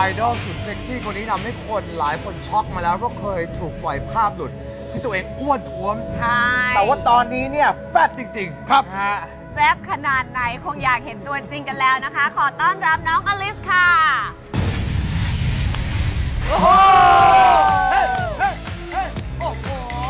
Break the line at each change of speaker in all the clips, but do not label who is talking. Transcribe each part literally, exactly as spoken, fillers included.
ดอลสุดเซ็กซี่คนนี้ทำให้คนหลายคนช็อกมาแล้วเพราะเคยถูกปล่อยภาพหลุด ที่ตัวเองอ้วนท้วม
ใช่
แต่ว่าตอนนี้เนี่ยแฟตจริงๆ
ครับ
นะฮะ
แซ่บขนาดไหนคงอยากเห็นตัวจริงกันแล้วนะคะ ขอต้อนรับน้องอลิสค่ะ
โอ้โหเฮ้ยเฮ้ยเฮ้ยโอ้โห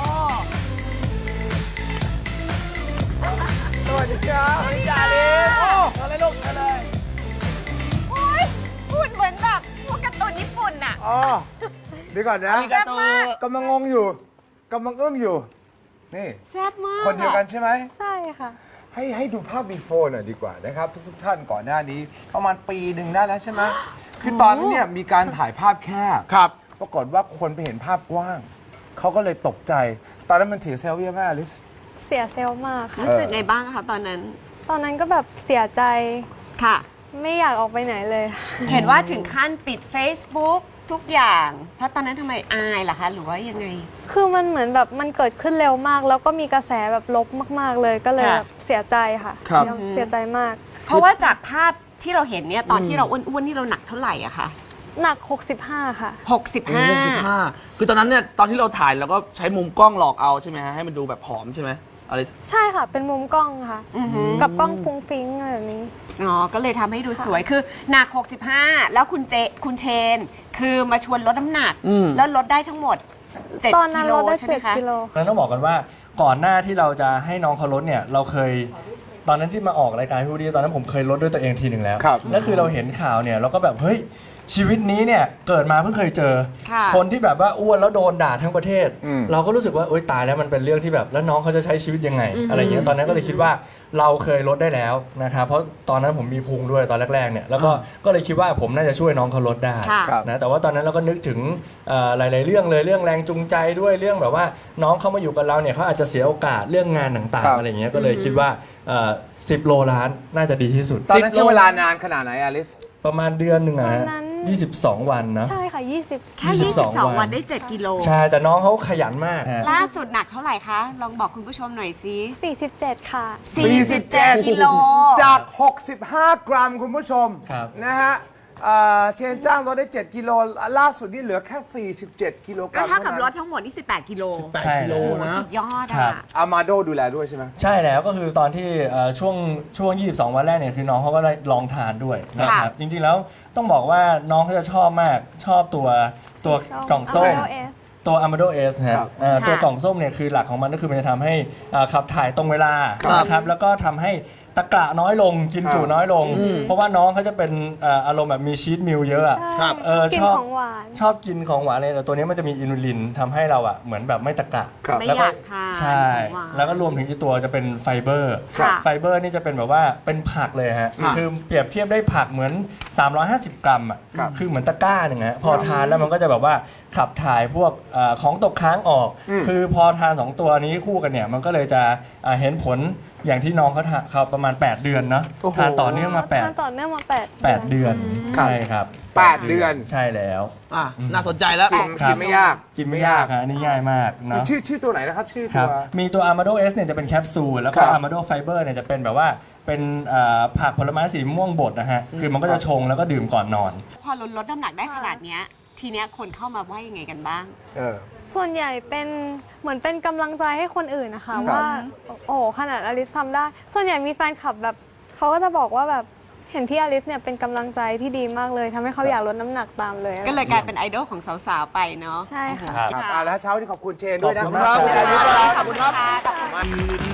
สวัสดีครับ
สวัสดีจ้าลิสโอ้อะไรลูกอะไร
โอ้ยพูดเหมือนแบบพวกการ์ตูนญี่ปุ่นน่ะ
อ๋อเดี๋ยวก่อนนะ
อาริกาโต
กำลังงงอยู่กำลังอึ้งอยู่ นี่
แซ่บมาก
คนเดียวกันใช่ไหม
ใช่ค่ะ
ให้ให้ดูภาพ before หน่อยดีกว่านะครับ ทุกทุกๆท่านก่อนหน้านี้ ประมาณปีหนึ่งได้แล้วใช่ไหมคือตอนนั้นเนี่ยมีการถ่ายภาพแคบ
ครับ
ปรากฏว่าคนไปเห็นภาพกว้าง เขาก็เลยตกใจ ตอนนั้นมันเสียเซลล์เยอะมากอลิส
เสียเซลล์มากค่ะ
รู้สึกไงบ้างคะตอนนั้น
ตอนนั้นก็แบบเสียใจ
ค่ะ
ไม่อยากออกไปไหนเลย
เห็นว่าถึงขั้นปิด Facebook ทุกอย่าง เพราะตอนนั้นทำไมอายล่ะคะ หรือว่ายังไง
คือมันเหมือนแบบมันเกิดขึ้นเร็วมาก แล้วก็มีกระแสแบบลบมากๆเลย ก็เลย
ค่ะ
แบบเสียใจค่ะ
ครับ
ยังเสียใจมาก
เพราะว่าจากภาพที่เราเห็นเนี่ยตอนที่เราอ้วนๆนี่เราหนักเท่าไหร่อะคะ
หนัก หกสิบห้า ค่ะ
หกสิบห้า
หกสิบห้าคือตอนนั้นเนี่ยตอนที่เราถ่ายเราก็ใช้มุมกล้องหลอกเอาใช่ไหมฮะให้มันดูแบบผอมใช่ไหมอะไร
ใช่ค่ะ เป็นมุมกล้องค่ะ
อือหือ
กับกล้องฟุ้งฟิ้งอะไรแบบนี้
อ๋อ ก็เลยทำให้ดูสวย คือหนัก หกสิบห้า แล้วคุณเจ คุณเชน คือมาชวนลดน้ำหนัก
อืม
แล้วลดได้ทั้งหมด เจ็ด
ตอนนั้
กิ
น
โล
เราได้
ใช่ไหม
เจ็ด
คะ
กิโล
แล้วต้องบอกกันว่าก่อนหน้าที่เราจะให้น้องเขาลดเนี่ยเราเคยตอนนั้นที่มาออกรายการพี่วูดดี้ตอนนั้นผมเคยลดด้วยตัวเองทีหนึ่งแล้ว
ครับ
แล้วคือเราเห็นข่าวเนี่ยเราก็แบบเฮ้ยชีวิตนี้เนี่ยเกิดมาเพิ่งเคยเจอ
ค่ะ
คนที่แบบว่าอ้วนแล้วโดนด่าทั้งประเทศ
อืม
เราก็รู้สึกว่าโอ๊ยตายแล้วมันเป็นเรื่องที่แบบแล้วน้องเขาจะใช้ชีวิตยังไง อะไรอย่างเงี้ยตอนนั้นก็เลยคิดว่าเราเคยลดได้แล้วนะครับเพราะตอนนั้นผมมีพุงด้วยตอนแรกๆเนี่ยแล้วก็ก็เลยคิดว่าผมน่าจะช่วยน้องเขาลดได้
ค่ะ
ครับ
นะแต่ว่าตอนนั้นเราก็นึกถึงเอ่อหลาย ๆ เรื่องเลยเรื่องแรงจูงใจด้วยเรื่องแบบว่าน้องเข้ามาอยู่กับเราเนี่ยเขาอาจจะเสียโอกาสเรื่องงานต่าง
ครับ
ๆอะไรเงี้ยก็เลยคิดว่าสิบโลล้านน่าจะดีที่สุด
ตอนนั้น
สิบ
ใช้
โล
เวลานานขนาดไหนอลิส
ประมาณเดือนหนึ่งอะฮะ
ตอนนั้น
ยี่สิบสองวันนะ
ใช่ค่ะ ยี่สิบ
แค่
ยี่
ยี่
สิ
สิ
บบ ส
ส
อ
อง ง
วั
วัน นได้ เจ็ด กิโล
ใช่แต่น้องเขาขยันมาก
ล่าสุดหนักเท่าไหร่คะ ลองบอกคุณผู้ชมหน่อยสิ
สี่สิบเจ็ด ค่ะ
สี่สิบเจ็ดกิโล
จาก หกสิบห้า กรัมคุณผู้ชม
ครับ
นะฮะเอ่อเชนจ้างลดได้ เจ็ด กิโล ล่าสุดนี่เหลือแค่ สี่สิบเจ็ด กิโลกรั
ก็
ม
เท่ากับ
นั้น
รถทั้งหมดนี่สิบแปดกิโล
ใช่
กิโล
แล้ว
นะ
สุดยอด
ครั
อ่ะ
บ
อามาโดดูแลด้วยใช่ไหม
ใช่แล้วก็คือตอนที่เอ่อช่วงช่วง ยี่สิบสอง วันแรกเนี่ยคือน้องเขาก็ได้ลองทานด้วยนะครับ จริงๆแล้วต้องบอกว่าน้องเขาจะชอบมากชอบตัวตัวกล่องส้ม
Amaro S
ตัว Amado S ฮะ
ครับ
เอ่อ
ค่ะ
ตัวกล่องส้มเนี่ยคือหลักของมันก็คือมันจะทำให้เอ่อขับถ่ายตรงเวลา
ครับ
นะครับแล้วก็ทำให้ตะกระน้อยลงกินจุน้อยลง เพราะว่าน้องเขาจะเป็นเอ่ออารมณ์แบบมีชีสมิลเยอะอะ
ใช่
เออ
กิน
ชอบ
ของหวาน
ชอบกินของหวานเลยแต่ตัวนี้มันจะมีอินูลินทำให้เราอะเหมือนแบบไม่ตะกระ
ครับ
ไม่
แล้ว
อ
ก็
ยากทาน
ใช่
ของหวาน
แล้วก็รวมถึงที่ตัวจะเป็นไฟเบอร์
ค่ะ
ไฟเบอร์นี่จะเป็นแบบว่าเป็นผักเลยฮะ
ค่ะ
คือเปรียบเทียบได้ผักเหมือน สามร้อยห้าสิบ กรัมอ่ะ
ครับ
คือเหมือนตะกร้าหนึ่งฮะพอทานแล้วมันก็จะแบบว่าขับถ่ายพวกเอ่อของตกค้างออก คือพอทานสองตัวนี้คู่กันเนี่ยมันก็เลยจะเอ่อเห็นผลอย่างที่น้องเขาทานเขาประมาณ แปด เดือนเนาะ
โอ้โห
ทานต่อเนื่องมาแปด
ทานต่อเนื่องมาแปด
แปดเดือน
ครับ
ใช่ครับ
แปดเดือน
ใช่แล้ว
อ่ะน่าสนใจแล้ว
กิน
ครับ
กินไม่ยาก
กินไม่ยากฮะอันนี่ง่ายมากเนาะ
ชื่อชื่อตัวไหนนะครับ ชื่อ
ค
ตั
รับ
ว
มีตัว Amado S เนี่ยจะเป็นแคปซูล แล้วก็
ครับ
Amado Fiber เนี่ยจะเป็นแบบว่าเป็นเอ่อผักผลไม้สีม่วงบดนะฮะ คือมันก็จะชงแล้วก็ดื่มก่อนนอน
พอลดลดน้ำหนักได้ขนาดเนี้ย ทีเนี้ยคนเข้ามาว่ายังไงกันบ้าง
เออ
ส่วนใหญ่เป็นเหมือนเป็นกำลังใจให้คนอื่นนะคะ
ครับ
ว่า โอ้โหขนาดอลิสทำได้ ส่วนใหญ่มีแฟนคลับแบบเขาก็จะบอกว่าแบบเห็นพี่อลิสเนี่ยเป็นกำลังใจที่ดีมากเลยทำให้เขาอยากลดน้ำหนักตามเลย
ก็เลยกลายเป็นไอดอลของสาวๆไปเนาะ
ใช่ค่ะ
ครับ
ครับอ่าแล้วเช้านี้ขอบคุณเชนด้วยนะ
ขอบคุณครับ
ขอบคุณ
ขอบคุณครับ
มาก